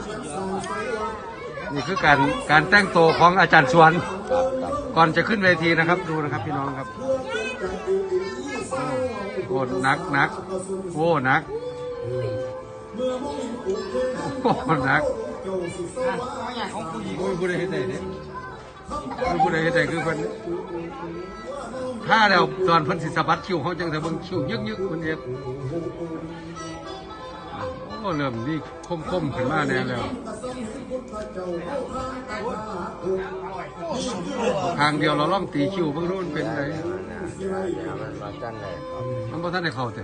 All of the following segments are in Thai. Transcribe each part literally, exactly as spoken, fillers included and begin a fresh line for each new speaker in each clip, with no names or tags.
นี่คือการการแต่งตัวของอาจารย์ชวนก่อนจะขึ้นเวทีนะครับดูนะครับพี่น้องครับโอ้หนักหนักโอ้หนักโอ้หนักโอ้ยผู้ใดเห็นใจเนี่ยผู้ใดเห็นใจคือคนถ้าแล้วตอนพันศิษบัตคิวเขาจังแต่เบิ่งคิวยึกยึกคนเดียวโอ้เริ่มนี่คมคมขึ้นมาแน่แล้วทางเดียวเราล่องตีคิวเพิ่งรู้มันเป็นไงมันมาท่านเลยมันมาท่านในเขาแต่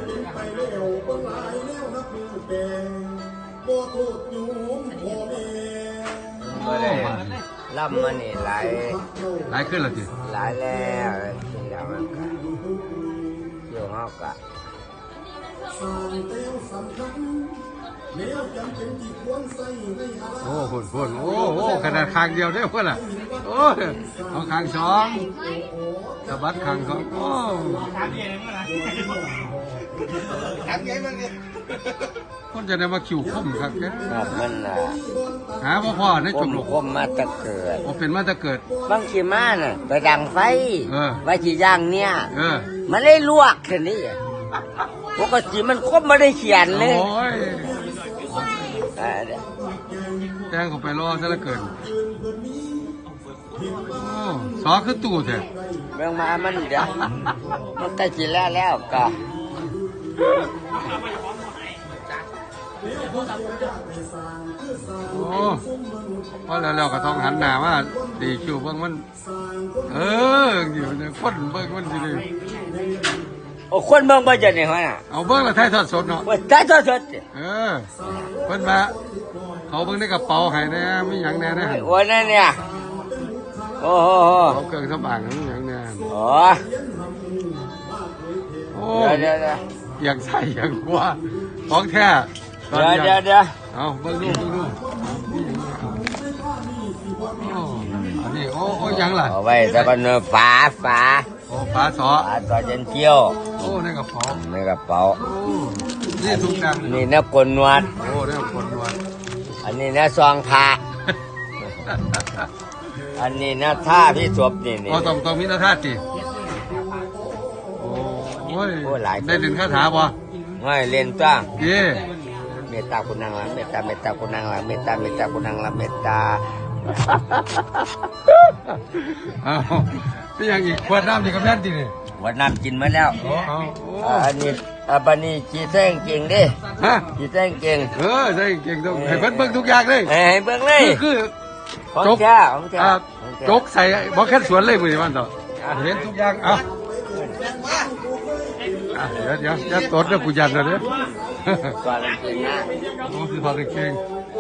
ล่ำมันนี่หลาย
หลายขึ้นแล้วจี
หลายแล้วจริงแล้วมันก็เกี่ยวงอกะ
โอ้คนคนโอ้โหขนาดคางเดียวได้เพื่อนอ่ะโอ้เอาคางสองสะบัดคางสองโอ้คนจะได้มาคิวคมครับแก
ครับมันอ่ะ
หาพ่อพ่อในจุดหลง
คมมาตะเกิด
โอ้เป็นมาตะเกิด
บางทีมาน่ะไปดังไฟไว้ที่ย่างเนี่ย
เออ
มันได้ลวกแค่นี้ปกติมันคมไม่ได้เขียนเลย
โอ้ยแจ้งเขาไปรอซะละเกินโอ้สอคือตู้แท้
เรื่องมามันเดี๋ยวมันใกล้จีแล้วแล้วก็
โอ้พอแล้วเราก็ต้องหันหน้าว่าตีคิวเบิ้งมันเอออยู่ในคนเบิ้งมันสิเลย
โอ้คนเบิ้งบ่จะเนี่ยฮะน่ะ
เอาเบิ้งละไทยทอดสดเนาะ
ไทยทอดสด
เออเพิ่นมาเขาเบิ้งในกระเป๋าให้นะมีหยังแน่นะ
โอ้นั่นเนี่ยโอ้โห
เขาเครื่องสำอางมีหยังแน่
โอ้
โอ้เดี๋ยวๆอย่างใส่อย่างกว่าของแท้
เดี๋ยวเดี๋ยวเดี๋ยว
เอาเบิ้งดูเบิ้งดูอันนี้โอ้โอ้ยังล่ะ
เอาไว้แต่ก็เนื้อฝาฝา
โอ้ฝาสอ
ฝาสอเจนเกี้ยว
โอ้ในกระเป๋า
ในกระเป๋า
นี่ทุกอย่าง
นี่เนื้อกลนวด
โอ้เนื้อกลนวด
อันนี้เนื้อซองผ้าอันนี้เนื้อท่าพี่ศพนี่นี่
อ๋อต้องต้องมีเนื้อท่าจีโอ้ยได้เรียนคาถาป่ะ
ไม่เรียนจ้า
เย่
เมตตาคุณนางละเมตตาเมตตาคุณนางละเมตตาเมตตาคุณนางละเมตตา
อ้าวพี่ยังอีกขวดน้ำนี่กับแม่นตีนี่
ขวดน้ำกินมาแล้วอันนี้อันนี้จีแท้งเก่งดิ
ฮะ
จีแท้งเก่ง
เออใช่เก่งต้องให้เบิ้งเบิ้งทุกอย่างเลย
ให้เบิ้งเลย
คือ
ของแท้ของแท้
จกใส่บอกแค่สวนเลยมือมันต่อเห็นทุกอย่างเอาเดี๋ยวเดี๋ยวจะตดแล้วกูยันเลยเนี่ย
ก่อนเก่งนะ
โอ้คือพอเก่ง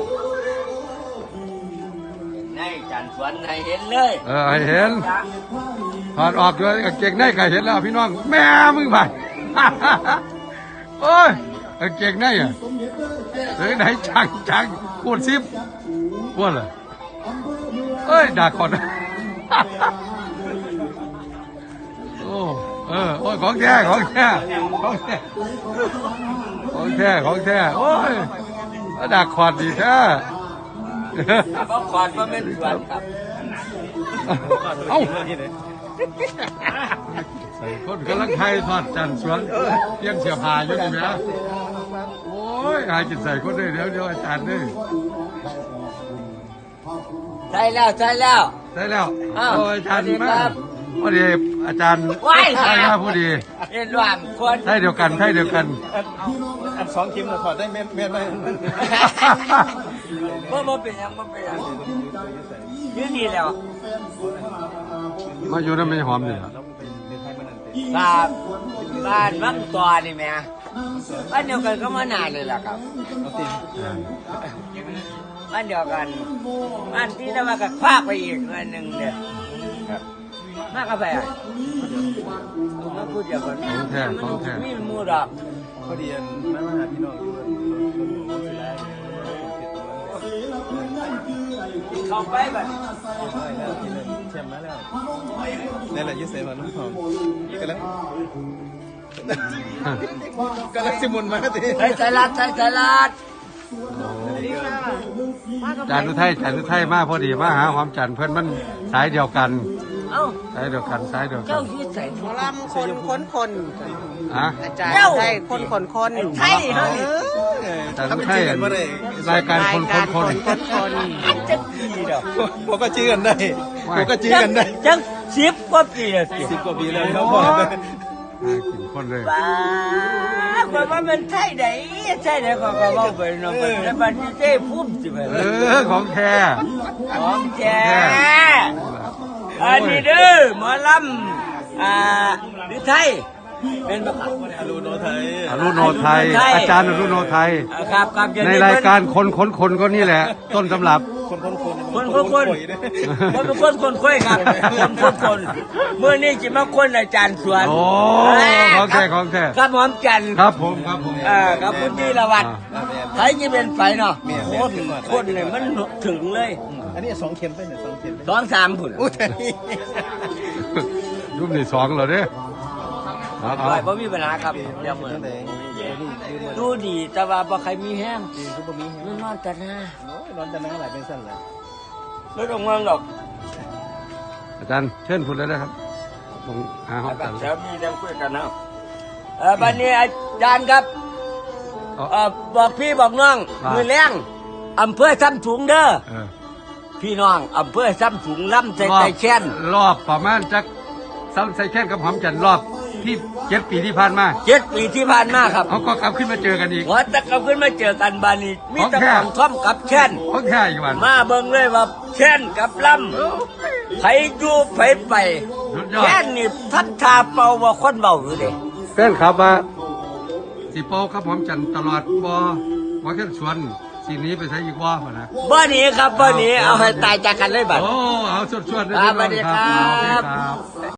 ในจันทร์สวนในเห็นเลย
เออเห็นถอดออกด้วยเก่งในก็เห็นแล้วพี่น้องแม่มึงไปโอ้ยเก่งในอ่ะเฮ้ยไหนจังจังพูดซิบพูดเลยเอ้ยด่าคนโอ้เออโอ้ยของแท้ของแท้ของแท้ของแท้ของแท้โอ้ยด่าขอดดีแท้
ก็ขอดมาเป็นส่วนครับ
เอ้าใส่คนกำลังไทยทอดจันสวนเลี้ยงเสียพาอยู่นี่ไหมโอ้ยหายจิตใส่คนได้เดี๋ยวเดี๋ยวอาจารย์นี่
ใช่แล้วใช่แล้ว
ใช่แล้วโอ้อาจารย์มาพอดีอาจารย์ใช่ครับพอดี
เห็นว่างคน
ใช่เดียวกันใช่เดียวกัน
อันสองทีมเราถอดได้เม็ดเม็ดไหม
เมื่อมื่อเป็นยังเมื่อเป็นยังยืดดีแล้ว
มาอยู่นั่นไม่หอมเลย
บ้านบ้านบ้านตัวนี่แม่บ้านเดียวกันก็มานานเลยล่ะครับบ้านเดียวกันบ้านที่เรามากับคว้าไปอีกอันหนึ่งเดียวมากกาแฟมาพูดอย่างกัน
ของแท้ของแท้
มีมูดอก
พอดีแม่มาหาพี่น้อง
เข้าไปแบบ
แชมป์มาแล้วนี่แหละยืดเส้นมาน้องทองกำลังกำลังสิมุนมาที
ใส่สลัดใส่สลัด
อาจารย์อุทัยอาจารย์อุทัยมาพอดีมาหาหอมจันทร์เพิ่นมันสายเดียวกัน
เอ้า
สายเดียวกันสายเดียวกั
เจ้าน ชื่อใส่
หมอลำคนคนคน
อะ
อาจารย์ใช่คนคนคน
ไทยเฮ้ย
อาจารย์อุทัยอันรายการคนคนคน
คนคน
จังปีเด้อ
ผมก็ชื่อกันได้ผมก็ชื่อกันได้
จังสิบกว่าปีแล้วสิ
สิบกว่าปีแล้วครับพ่อ
น่ากินคนเลย
บ้าคนว่ามันไทยไหนไทยไหนก็ก็เว้าไปเนาะแล้วบัดนี้เจ้พุ่มสิไป
เออของแท้
ของแท้อันนี้เด้อหมอลำอ่าหรือไทยเป็นบ่ครับ
อรุโนไทย
อรุโนไทย อาจารย์อรุโนไทย
อ่าครับครับอย่ง
ในรายการคนคนคนก็นี่แหละ ต้นตำรับ
คนคนคน
คนคนคนคนเป็นคนคนค่อยครับคนคนคนเมื่อนี้จะมาคนอาจารย์สวน
โอ้ของแท้ของแท้
ครับหอมจันทร์
ครับผมครับผม
อ่าครับคุณธีรวัตรไทยจะเป็นไฟเนาะคนคนเนี่ยมันถึงเลย
อันนี้สองเข็มไปเนี่ยสองเข็ม
สองสามผุน
อุ้ย
รูปที่สองเหรอเด้เอา
ป
เอา
ล่อยบ่มีปัญหาครับเดี๋ยวเหมือน
ไหนนี่ยืม
ดูดีแต่ว่าบ่ใครมีแห้ง
ดีก็บ่มี
มันนอนแต่หน้า
โอ้ยนอนจะนั่งหลายเป็นสั้นเลย
ไม่ต้องงงหรอก
อาจารย์เชิญพูดเลยนะครับผมหาห้อง
ครั
กับ น
เดี๋ยวมีเรื่องคุยกันนะเออบัดนี้อาจารย์ครับ
เอา
เออบอกพี่บอกน้อง
ว่า
มือแรงอำเภอซ้ำสูงเด้อ
เออ
พี่น้องอำเภอซ้ำสูงล่ำใจ
รอ
ใจ
บ
แค้น
รอบประมาณจักซ้ำใส่แค่นกับหอมจันทร์รอบที่เจ็ดปีที่ผ่านมา
เจ็ดปีที่ผ่านมาครับ
เขาก็กลับขึ้นมาเจอกันอีก
หัวตะกลับขึ้นมาเจอกันบานีมี
ของ
แตะ
แท้
ของท่อมกับแค้น
โอเคอีกวัน
มาเบิ่งเลยว่าแค้นกับล่ำไผอยู่ไผไป
สุดยอด
แค้นนี่ทัดทาเป่าว่าคนเบาอยู่เด้
แฟนครับว่าสีโป้ครับหอมจันทร์ตลอดบอว่าแค่ชวนสีนี้ไปใช้อีกว่าป่ะนะ
บ่หนี้ครับบ่หนี้เอาให้ตายจากกันเลยบัด
โอ้เอาชวนชวนๆได้
ครับ
พี่น้อง
สวัสดีครับ
เอาโอเคครับ